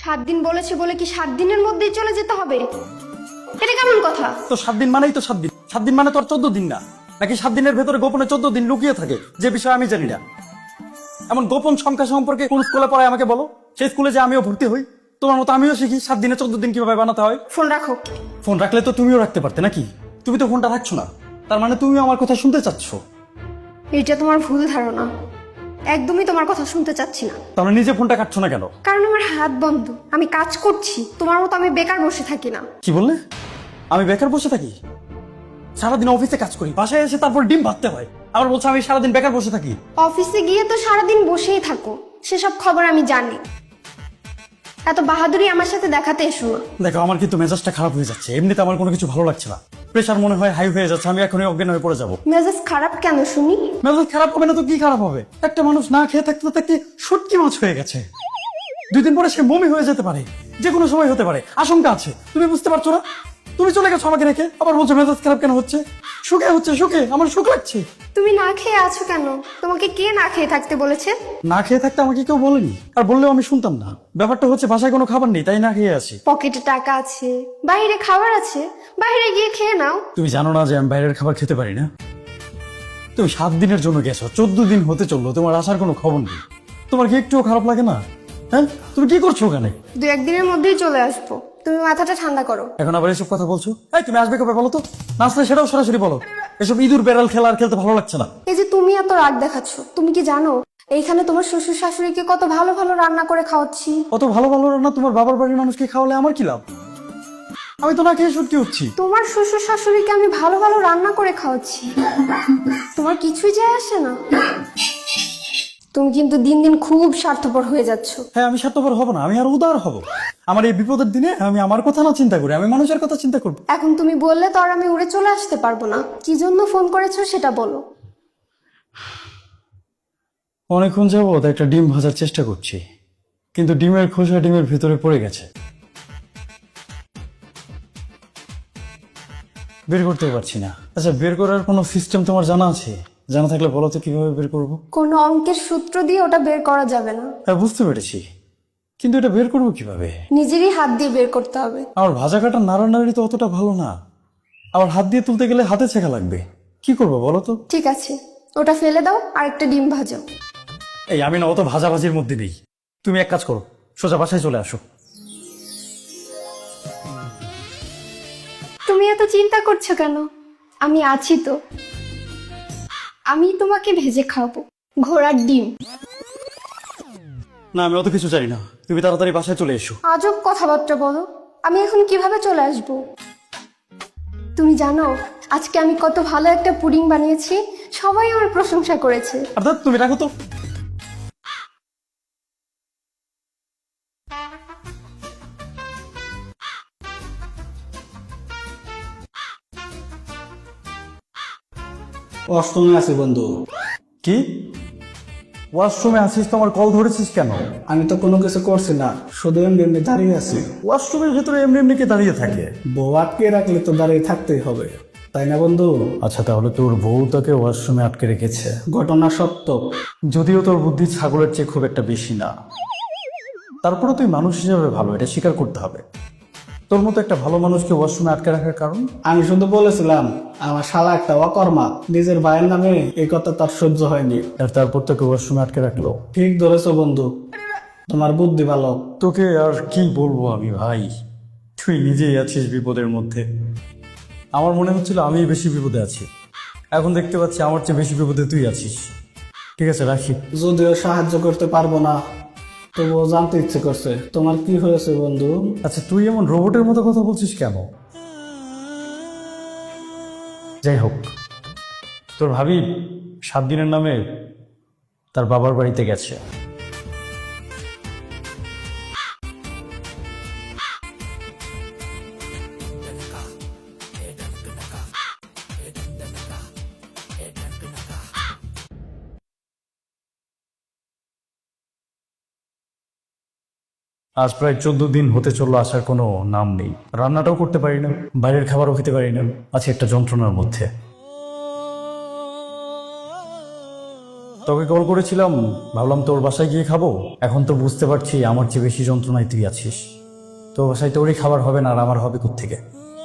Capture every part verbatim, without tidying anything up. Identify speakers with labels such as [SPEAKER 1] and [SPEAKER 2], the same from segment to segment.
[SPEAKER 1] সাত দিন বলেছে বলে কি সাত দিনের মধ্যেই চলে যেতে হবে? এটা কেমন কথা?
[SPEAKER 2] তো সাত দিন মানেই তো সাত দিন। সাত দিন মানে তো আর চোদ্দ দিন না। নাকি সাত দিনের ভেতরে গোপনে চোদ্দ দিন লুকিয়ে থাকে, যে বিষয়ে আমি জানি না। এমন গোপন সংখ্যা সম্পর্কে কোন স্কুলে পড়ায় আমাকে বলো। সেই স্কুলে যে আমিও ভর্তি হই, তোমার মতো আমিও শিখি সাত দিনে চোদ্দ দিন কিভাবে বানাতে হয়।
[SPEAKER 1] ফোন রাখো।
[SPEAKER 2] ফোন রাখলে তো তুমিও রাখতে পারতে নাকি? তুমি তো ফোনটা রাখছো না, তার মানে তুমিও আমার কথা শুনতে চাচ্ছ।
[SPEAKER 1] এটা তোমার ভুল ধারণা, একদমই তোমার কথা শুনতে চাচ্ছি না।
[SPEAKER 2] তাহলে নিজে ফোনটা কাটছো না কেন?
[SPEAKER 1] কারণ আমার হাত বন্ধ, আমি কাজ করছি। তোমার মতো আমি বেকার বসে থাকি না।
[SPEAKER 2] কি বললে? আমি বেকার বসে থাকি? সারাদিন অফিসে কাজ করি, বাসায় এসে তারপর ডিম ভাজতে হয়, আবার বলছো আমি সারাদিন বেকার বসে থাকি।
[SPEAKER 1] অফিসে গিয়ে তো সারাদিন বসেই থাকো, সেসব খবর আমি জানি। এত বাহাদুরি আমার সাথে দেখাতে এসো না।
[SPEAKER 2] দেখো, আমার কিন্তু মেজাজটা খারাপ হয়ে যাচ্ছে। এমনিতে আমার কোনো কিছু ভালো লাগছে না। প্রেশার মনে হয় হাই হয়ে যাচ্ছে, আমি এখনই অজ্ঞান হয়ে পড়ে যাবো।
[SPEAKER 1] মেজাজ খারাপ কেন শুনি?
[SPEAKER 2] মেজাজ খারাপ হবে না তো কি খারাপ হবে? একটা মানুষ না খেয়ে থাকতে থাকতে শুটকি মাছ হয়ে গেছে। দুই দিন পরে সে মমি হয়ে যেতে পারে, যে কোনো সময় হতে পারে, আশঙ্কা আছে। তুমি বুঝতে পারছো না? তুমি চলে গেছো আমাকে রেখে, আবার বলছো মেজাজ খারাপ কেন হচ্ছে? সুখে হচ্ছে, সুখে আমার সুখ লাগছে।
[SPEAKER 1] তুমি না খেয়ে আছো কেন? তোমাকে কে না খেয়ে থাকতে বলেছে?
[SPEAKER 2] না খেয়ে থাকতে আমাকে কেউ বলেনি, আর বললেও আমি শুনতাম না। ব্যাপারটা হচ্ছে বাসায় কোনো খাবার নেই, তাই না খেয়ে আছি।
[SPEAKER 1] পকেটে টাকা আছে, বাইরে খাবার আছে, বাইরে গিয়ে খেয়ে নাও।
[SPEAKER 2] তুমি জানো না যে আমি বাইরের খাবার খেতে পারি না? তুমি সাত দিনের জন্য গেছো, চোদ্দ দিন হতে চললো, তোমার আসার কোনো খবর নেই। তোমার কি একটুও খারাপ লাগে না? হ্যাঁ, তুমি কি করছো ওখানে?
[SPEAKER 1] দু একদিনের মধ্যেই চলে আসবো, তুমি মাথাটা ঠান্ডা করো।
[SPEAKER 2] এখন আবার এসব কথা বলছো? এই, তুমি আসবে কবে বলো তো? না আসলে সেটাও সরাসরি বলো। এসব ইঁদুর বেড়াল খেলা আর খেলতে ভালো লাগছে না।
[SPEAKER 1] এই যে তুমি এত রাগ দেখাচ্ছ, তুমি কি জানো এইখানে তোমার শ্বশুর শাশুড়িকে কত ভালো ভালো রান্না করে খাওয়াচ্ছি?
[SPEAKER 2] অত ভালো ভালো রান্না তোমার বাবার বাড়ির মানুষকে খাওয়ালে আমার কি লাভ? আমি তো না খেয়ে সত্যি হচ্ছি।
[SPEAKER 1] তোমার শ্বশুর শাশুড়িকে আমি ভালো ভালো রান্না করে খাওয়াচ্ছি, তোমার কিছুই যায় আসে না। তুমি কিন্তু দিন দিন খুব স্বার্থপর হয়ে যাচ্ছ।
[SPEAKER 2] হ্যাঁ, আমি স্বার্থপর হব না, আমি আর উদার হব। আমার এই বিপদের দিনে আমি আমার কথা না চিন্তা করি, আমি মানুষের কথা চিন্তা করবো।
[SPEAKER 1] এখন তুমি বললে তো আর আমি উড়ে চলে আসতে পারবো না। কি জন্য ফোন করেছো সেটা বলো।
[SPEAKER 2] অনেকক্ষণ যাবত একটা ডিম ভাজার চেষ্টা করছি, কিন্তু ডিমের খোসা ডিমের ভিতরে পড়ে গেছে, বের করতে পারছি না। আচ্ছা, বের করার কোনো সিস্টেম তোমার জানা আছে? জানা থাকলে বলো তো কিভাবে বের করবো।
[SPEAKER 1] কোনো অঙ্কের সূত্র দিয়ে ওটা বের করা যাবে না।
[SPEAKER 2] হ্যাঁ, বুঝতে পেরেছি, কিন্তু এটা বের করবো কিভাবে?
[SPEAKER 1] নিজেরই হাত দিয়ে বের করতে হবে।
[SPEAKER 2] আমার ভাজা কাটা নাড়ানাড়ি তো অতটা ভালো না, আবার হাত দিয়ে তুলতে গেলে হাতে ছেঁকা লাগবে। কি করবো বলো তো?
[SPEAKER 1] ঠিক আছে, ওটা ফেলে দাও আর একটা ডিম ভাজো।
[SPEAKER 2] এই, আমি না অত ভাজাভাজির মধ্যে নেই। তুমি এক কাজ করো, সোজা বাসায় চলে আসো।
[SPEAKER 1] তুমি এত চিন্তা করছো কেন? আমি আছি তো, আমি তোমাকে ভেজে খাওয়াবো। ঘোড়ার ডিম।
[SPEAKER 2] না, আমি অত কিছু চাই না, তুমি তাড়াতাড়ি বাসায় চলে এসো।
[SPEAKER 1] আজব কথাবার্তা বলো, আমি এখন কিভাবে চলে আসবো? তুমি জানো আজকে আমি কত ভালো একটা পুডিং বানিয়েছি, সবাই আমার প্রশংসা করেছে।
[SPEAKER 2] অর্থাৎ তুমি রাখো তো।
[SPEAKER 3] অষ্টমে আছি বন্ধু।
[SPEAKER 2] কি? ওয়াশরুমে আসিস তো? আমার কল ধরেছিস কেন?
[SPEAKER 3] আমি তো কোনো কিছু করছি না, শুধু এমনি এমনি দাঁড়িয়ে আছি।
[SPEAKER 2] ওয়াশরুমের ভেতরে এমনি এমনি কে দাঁড়িয়ে থাকে?
[SPEAKER 3] বউ আটকে রাখলে তো দাঁড়িয়ে থাকতেই হবে, তাই না বন্ধু?
[SPEAKER 2] আচ্ছা, তাহলে তোর বউ তোকে ওয়াশরুমে আটকে রেখেছে।
[SPEAKER 3] ঘটনা সত্য।
[SPEAKER 2] যদিও তোর বুদ্ধি ছাগলের চেয়ে খুব একটা বেশি না, তারপরে তুই মানুষ হিসেবে ভালো, এটা স্বীকার করতে হবে। তোর মতো একটা ভালো মানুষকে ওয়াশরুমে আটকে রাখার কারণ?
[SPEAKER 3] আমি শুধু বলেছিলাম আমার শালা একটা অকর্মা, নিজের ভাইয়ের নামে এই কথা তার সহ্য হয়নি।
[SPEAKER 2] আর তারপর তোকে ওয়াশরুমে আটকে রাখলো।
[SPEAKER 3] ঠিক ধরেছো বন্ধু, তোমার বুদ্ধি ভালো।
[SPEAKER 2] তোকে আর কি বলবো আমি ভাই, তুই নিজেই আছিস বিপদের মধ্যে। আমার মনে হচ্ছিল আমি বেশি বিপদে আছি, এখন দেখতে পাচ্ছি আমার চেয়ে বেশি বিপদে তুই আছিস। ঠিক আছে, রাখি।
[SPEAKER 3] যদিও সাহায্য করতে পারবো না, তবুও জানতে ইচ্ছে করছে তোমার কি হয়েছে বন্ধু।
[SPEAKER 2] আচ্ছা, তুই এমন রোবটের মতো কথা বলছিস কেন? যাই হোক, তোর ভাবি সাত দিনের নামে তার বাবার বাড়িতে গেছে। আজ প্রায় চোদ্দ দিন হতে চললো, আসার কোনো নাম নেই। রান্নাটাও করতে পারি না, বাইরের খাবারও খেতে পারি না, আছি একটা যন্ত্রণার মধ্যে। তোকে কল করেছিলাম, ভাবলাম তোর বাসায় গিয়ে খাবো। এখন তো বুঝতে পারছি আমার চেয়ে বেশি যন্ত্রণায় তুই আছিস। তোর বাসায় তোরই খাবার হবে না, আর আমার হবে কোত্থেকে?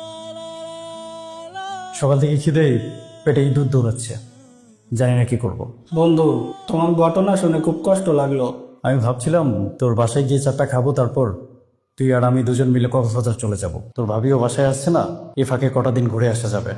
[SPEAKER 2] সকাল থেকে খিদে পেটে ইঁদুর দৌড়াচ্ছে, জানি না কি করব।
[SPEAKER 3] বন্ধু, তোমার ঘটনা শুনে খুব কষ্ট লাগলো।
[SPEAKER 2] আমি ভাবছিলাম তোর বাসায় গিয়ে চারটা খাবো, তারপর তুই আর আমি দুজন মিলে কক্সবাজার চলে যাব। তোর ভাবিও বাসায় আসছে না, এ ফাঁকে কটা দিন ঘুরে আসা যাবে।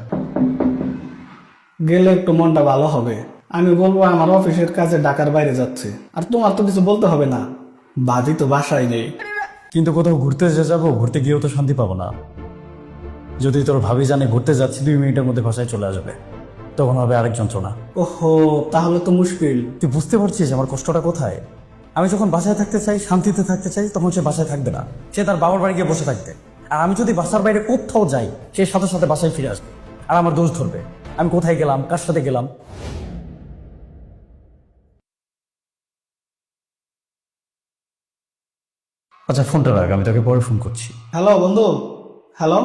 [SPEAKER 3] গেলে একটু মনটা ভালো হবে। আমি বলবো আমার অফিসের কাজে ঢাকার বাইরে যাচ্ছে, আর তোমার তো কিছু বলতে হবে না, বাদি তো বাসায় নেই।
[SPEAKER 2] কিন্তু কোথাও ঘুরতে যে যাবো, ঘুরতে গিয়েও তো শান্তি পাবো না। যদি তোর ভাবি জানে ঘুরতে যাচ্ছি, দুই মিনিটের মধ্যে বাসায় চলে আসবে, তখন হবে আরেক যন্ত্রণা।
[SPEAKER 3] ওহো, তাহলে তো মুশকিল।
[SPEAKER 2] তুই বুঝতে পারছিস আমার কষ্টটা কোথায়? আমি যখন বাসায় থাকতে চাই, শান্তিতে থাকতে চাই, তখন সে বাসায় থাকবে না, সে তার বাবার বাড়ি গিয়ে বসে থাকবে। আর আমি যদি বাসার বাইরে কোথাও যাই, সে সাথে সাথে বাসায় ফিরে আসবে, আর আমার দোষ ধরবে আমি কোথায় গেলাম, কার সাথে গেলাম। আচ্ছা, ফোনটা রাখ, আমি তোকে পরে ফোন করছি।
[SPEAKER 3] হ্যালো বন্ধু, হ্যালো।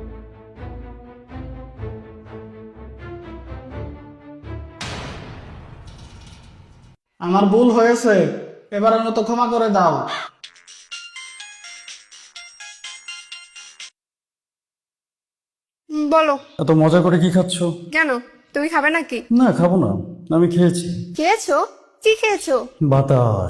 [SPEAKER 3] আমার ভুল হয়েছে, এবারের মতো ক্ষমা করে দাও।
[SPEAKER 1] হুম, বলো।
[SPEAKER 2] এত মজা করে কি খাচ্ছ?
[SPEAKER 1] কেন, তুমি খাবে নাকি?
[SPEAKER 2] না, খাবো না, আমি খেয়েছি।
[SPEAKER 1] খেয়েছো? কি খেয়েছো?
[SPEAKER 2] বাতাস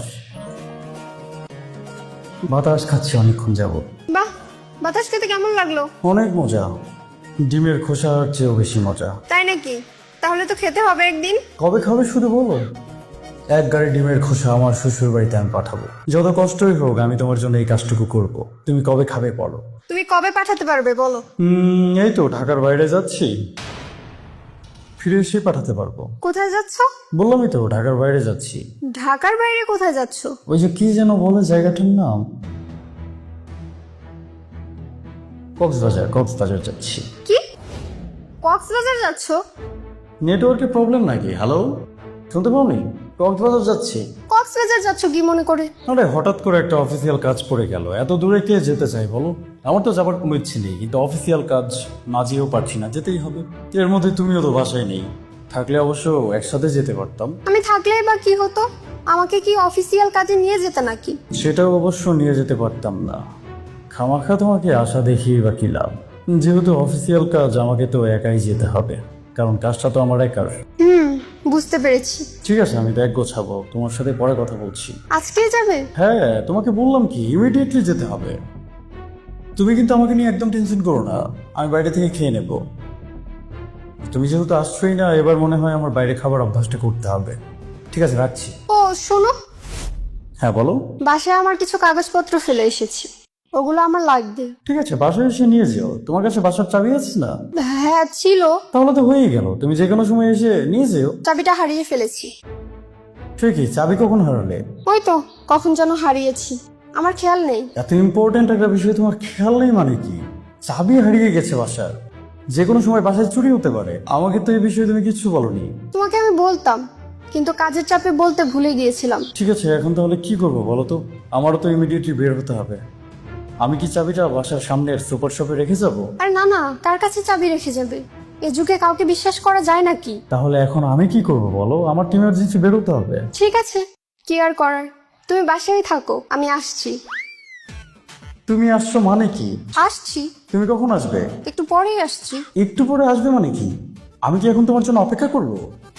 [SPEAKER 2] বাতাস খাচ্ছি অনেকক্ষণ যাব।
[SPEAKER 1] বাহ, বাতাস খেতে কেমন লাগলো?
[SPEAKER 2] অনেক মজা, ডিমের খোসার চেয়েও বেশি মজা।
[SPEAKER 1] তাই নাকি? তাহলে তো খেতে হবে একদিন।
[SPEAKER 2] কবে খাবে শুধু বলো। এক গাড়ি ডিমের খোসা আমার শ্বশুর বাড়িতে আমি পাঠাবো, যত কষ্টই হোক আমি তোমার জন্য এই কাজটুকু করব। তুমি কবে খাবে বলো।
[SPEAKER 1] তুমি কবে পাঠাতে পারবে বলো?
[SPEAKER 2] হুম, এই তো ঢাকার বাইরে যাচ্ছি, ফিরে এসে পাঠাতে পারবো।
[SPEAKER 1] কোথায় যাচ্ছ?
[SPEAKER 2] বললামই তো ঢাকার বাইরে যাচ্ছি।
[SPEAKER 1] ঢাকার বাইরে কোথায় যাচ্ছ?
[SPEAKER 2] ওই যে কি যেন বলে জায়গাটার নাম, কক্সবাজার। কক্সবাজার যাচ্ছি।
[SPEAKER 1] কি, কক্সবাজার যাচ্ছ?
[SPEAKER 2] নেটওয়ার্কের প্রবলেম নাকি? হ্যালো, শুনতে পাওনি? কক্সবাজার যাচ্ছি।
[SPEAKER 1] কক্সবাজার যাচ্ছ কি মনে করে?
[SPEAKER 2] আরে হঠাৎ করে একটা অফিসিয়াল কাজ পড়ে গেল, এত দূরে কে যেতে চাই বলো? আমার তো যাবার কোনো ইচ্ছে নেই, কিন্তু অফিসিয়াল কাজ না যেয়েও পারছি না, যেতেই হবে। এর মধ্যে তুমিও তো বাসায় নেই, থাকলে অবশ্য একসাথে যেতে পারতাম।
[SPEAKER 1] আমি থাকলেই বা কি হতো? আমাকে কি অফিসিয়াল কাজে নিয়ে যেতে নাকি?
[SPEAKER 2] সেটাও অবশ্য নিয়ে যেতে পারতাম না, খামাখা তোমাকে আশা দেখিয়ে বা কি লাভ? যেহেতু অফিসিয়াল কাজ, আমাকে তো একাই যেতে হবে, কারণ কাজটা তো আমার একার।
[SPEAKER 1] হুম, বুঝতে পেরেছি।
[SPEAKER 2] ঠিক আছে, আমি ব্যাগ গোছাবো, তোমার সাথে পরে কথা বলছি।
[SPEAKER 1] আজকেই যাবে?
[SPEAKER 2] হ্যাঁ, তোমাকে বললাম কি ইমিডিয়েটলি যেতে হবে। তুমি কিন্তু আমাকে নিয়ে একদম টেনশন করো না, আমি বাইরে থেকে খেয়ে নেব। তুমি যেহেতু আসছোই না, এবার মনে হয় আমার বাইরে খাবার অভ্যাসটা করতে হবে। ঠিক আছে, রাখছি।
[SPEAKER 1] ও শোনো,
[SPEAKER 2] হ্যাঁ বলো।
[SPEAKER 1] বাসায় আমার কিছু কাগজপত্র ফেলে এসেছি, ওগুলো আমার লাগবে।
[SPEAKER 2] ঠিক আছে, বাসায় এসে নিয়ে যেও। তোমার কাছে বাসার চাবি আছে না?
[SPEAKER 1] হ্যাঁ ছিল।
[SPEAKER 2] তাহলে তো হয়েই গেল, তুমি যে কোনো সময় এসে নিয়ে যেও।
[SPEAKER 1] চাবিটা হারিয়ে ফেলেছি।
[SPEAKER 2] ঠিকই, চাবি কখন হারালে?
[SPEAKER 1] ওই তো কখন যেন হারিয়েছি, আমার খেয়াল নেই।
[SPEAKER 2] এত ইম্পর্টেন্ট একটা বিষয় তোমার খেয়াল নেই মানে কি? চাবি হারিয়ে গেছে বাসার, যে কোনো সময় বাসায় চুরি হতে পারে। আমাকে তো এই বিষয়ে তুমি কিচ্ছু বলনি।
[SPEAKER 1] তোমাকে আমি বলতাম, কিন্তু কাজের চাপে বলতে ভুলে গিয়েছিলাম।
[SPEAKER 2] ঠিক আছে, এখন তাহলে কি করবো বলো তো? আমারও তো ইমিডিয়েটলি বের হতে হবে। আমি কি চাবিটা বাসার সামনের সুপার শপে রেখে যাবো?
[SPEAKER 1] আরে না না, কার কাছে চাবি রেখে যাবে? এ যুগে কাউকে বিশ্বাস করা যায় নাকি?
[SPEAKER 2] তাহলে এখন আমি কি করব বলো? আমার টিম ইমার্জেন্সি বের হতে হবে।
[SPEAKER 1] ঠিক আছে, কি আর করার, তুমি বাসায় থাকো, আমি আসছি।
[SPEAKER 2] তুমি আসছো মানে কি?
[SPEAKER 1] আসছি,
[SPEAKER 2] তুমি কখন আসবে?
[SPEAKER 1] একটু পরেই আসছি।
[SPEAKER 2] একটু পরে আসবে মানে কি? আমি কি এখন তোমার জন্য অপেক্ষা করব?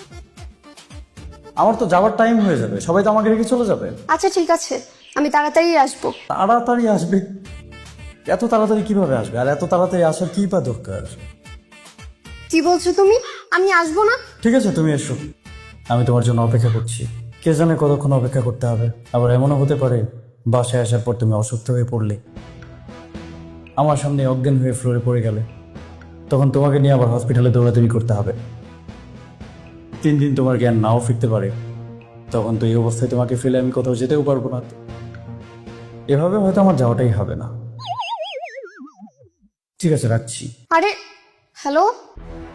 [SPEAKER 2] আমার তো যাওয়ার টাইম হয়ে যাবে, সবাই তো আমাকে রেখে চলে যাবে।
[SPEAKER 1] আচ্ছা ঠিক আছে, আমি তাড়াতাড়ি আসবো।
[SPEAKER 2] তাড়াতাড়ি আসবে? এত তাড়াতাড়ি কিভাবে আসবে? আর এত তাড়াতাড়ি আসার কি বা দরকার?
[SPEAKER 1] কি বলছো তুমি? আমি আসবো না?
[SPEAKER 2] ঠিক আছে, তুমি এসো, আমি তোমার জন্য অপেক্ষা করছি। কে জানে কতক্ষণ অপেক্ষা করতে হবে। আবার এমনও হতে পারে বাসায় আসার পর তুমি অসুস্থ হয়ে পড়লে, আমার সামনে অজ্ঞান হয়ে ফ্লোরে পড়ে গেলে, তখন তোমাকে নিয়ে আবার হসপিটালে দৌড়াদৌড়ি করতে হবে। তিন দিন তোমার জ্ঞান নাও ফিরতে পারে, তখন তো এই অবস্থায় তোমাকে ফেলে আমি কোথাও যেতেও পারবো না। এভাবে হয়তো আমার যাওয়াটাই হবে না। ঠিক আছে, রাখছি।
[SPEAKER 1] আরে হ্যালো,